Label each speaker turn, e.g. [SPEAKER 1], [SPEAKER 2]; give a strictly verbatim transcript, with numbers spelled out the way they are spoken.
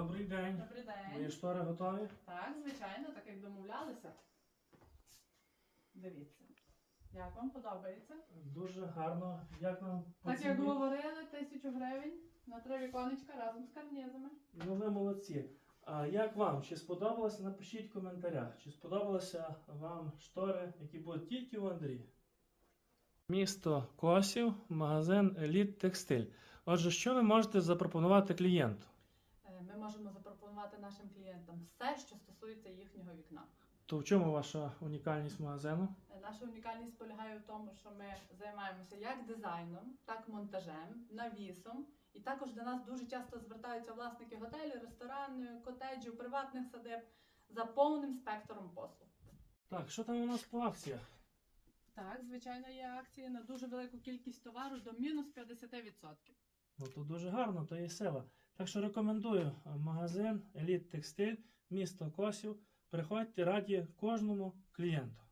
[SPEAKER 1] Добрий день.
[SPEAKER 2] Добрий день.
[SPEAKER 1] Мої штори готові?
[SPEAKER 2] Так, звичайно, так як домовлялися. Дивіться. Як вам подобається?
[SPEAKER 1] Дуже гарно. Як нам по
[SPEAKER 2] Так як
[SPEAKER 1] ціні?
[SPEAKER 2] говорили, тисячу гривень на три віконечка разом з карнізами.
[SPEAKER 1] Ну ви молодці. А як вам? Чи сподобалося? Напишіть в коментарях. Чи сподобалися вам штори, які будуть тільки у Андрія? Місто Косів, магазин Еліт Текстиль. Отже, що ви можете запропонувати клієнту?
[SPEAKER 2] Е, Ми можемо запропонувати нашим клієнтам все, що стосується їхнього вікна.
[SPEAKER 1] То в чому ваша унікальність магазину?
[SPEAKER 2] Е, Наша унікальність полягає в тому, що ми займаємося як дизайном, так монтажем, навісом. І також до нас дуже часто звертаються власники готелів, ресторанів, котеджів, приватних садиб за повним спектром послуг.
[SPEAKER 1] Так, що там у нас по акціях?
[SPEAKER 2] Так, звичайно, є акції на дуже велику кількість товару до мінус п'ятдесят відсотків.
[SPEAKER 1] Ну то дуже гарно, то є сила. Так що рекомендую магазин Еліт Текстиль, місто Косів. Приходьте, раді кожному клієнту.